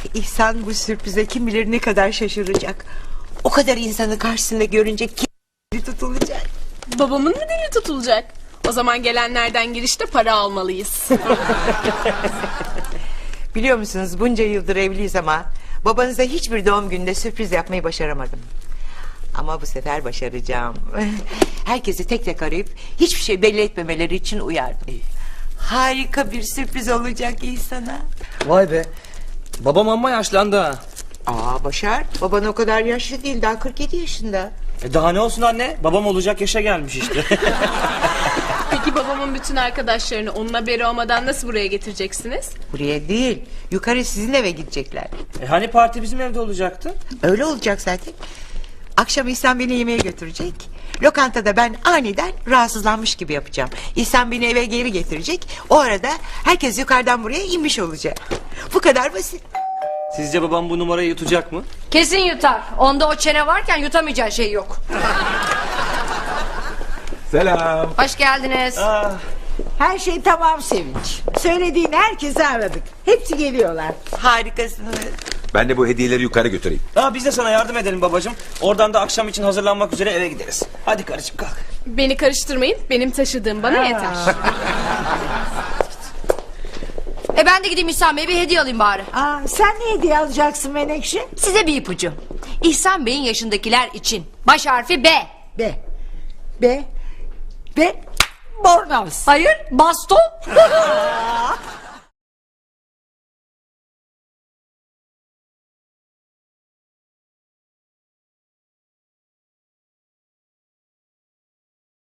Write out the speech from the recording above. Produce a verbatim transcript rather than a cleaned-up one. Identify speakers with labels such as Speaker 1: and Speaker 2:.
Speaker 1: İhsan bu sürprize kim bilir ne kadar şaşıracak. O kadar insanı karşısında görünce kim tutulacak.
Speaker 2: Babamın mı dili tutulacak? O zaman gelenlerden girişte para almalıyız.
Speaker 1: Biliyor musunuz bunca yıldır evliyiz ama babanıza hiçbir doğum gününde sürpriz yapmayı başaramadım. Ama bu sefer başaracağım. Herkesi tek tek arayıp hiçbir şey belli etmemeleri için uyardım. Harika bir sürpriz olacak İhsan'a.
Speaker 3: Vay be. Babam amma yaşlandı ha.
Speaker 1: Aa Başar, baban o kadar yaşlı değil, daha kırk yedi yaşında.
Speaker 3: E daha ne olsun anne? Babam olacak yaşa gelmiş işte.
Speaker 2: Peki babamın bütün arkadaşlarını onun haberi olmadan nasıl buraya getireceksiniz?
Speaker 1: Buraya değil, yukarı sizin eve gidecekler.
Speaker 3: E hani parti bizim evde olacaktı?
Speaker 1: Öyle olacak zaten. Akşam İhsan beni yemeğe götürecek. Lokantada ben aniden rahatsızlanmış gibi yapacağım. İhsan beni eve geri getirecek. O arada herkes yukarıdan buraya inmiş olacak. Bu kadar basit.
Speaker 3: Sizce babam bu numarayı yutacak mı?
Speaker 4: Kesin yutar. Onda o çene varken yutamayacağı şey yok.
Speaker 5: Selam.
Speaker 4: Hoş geldiniz.
Speaker 3: Aa,
Speaker 6: Her şey tamam Sevinç. Söylediğin herkesi aradık. Hepsi geliyorlar.
Speaker 1: Harikasınız.
Speaker 5: Ben de bu hediyeleri yukarı götüreyim.
Speaker 3: aa, biz de sana yardım edelim babacığım. Oradan da akşam için hazırlanmak üzere eve gideriz. Hadi karıcığım kalk.
Speaker 2: Beni karıştırmayın, benim taşıdığım bana yeter.
Speaker 4: E ben de gideyim İhsan Bey'e bir hediye alayım bari.
Speaker 6: Aa, sen ne hediye alacaksın Menekşe?
Speaker 4: Size bir ipucu. İhsan Bey'in yaşındakiler için. Baş harfi B.
Speaker 6: B. B. B. Bornoz.
Speaker 4: Hayır, baston.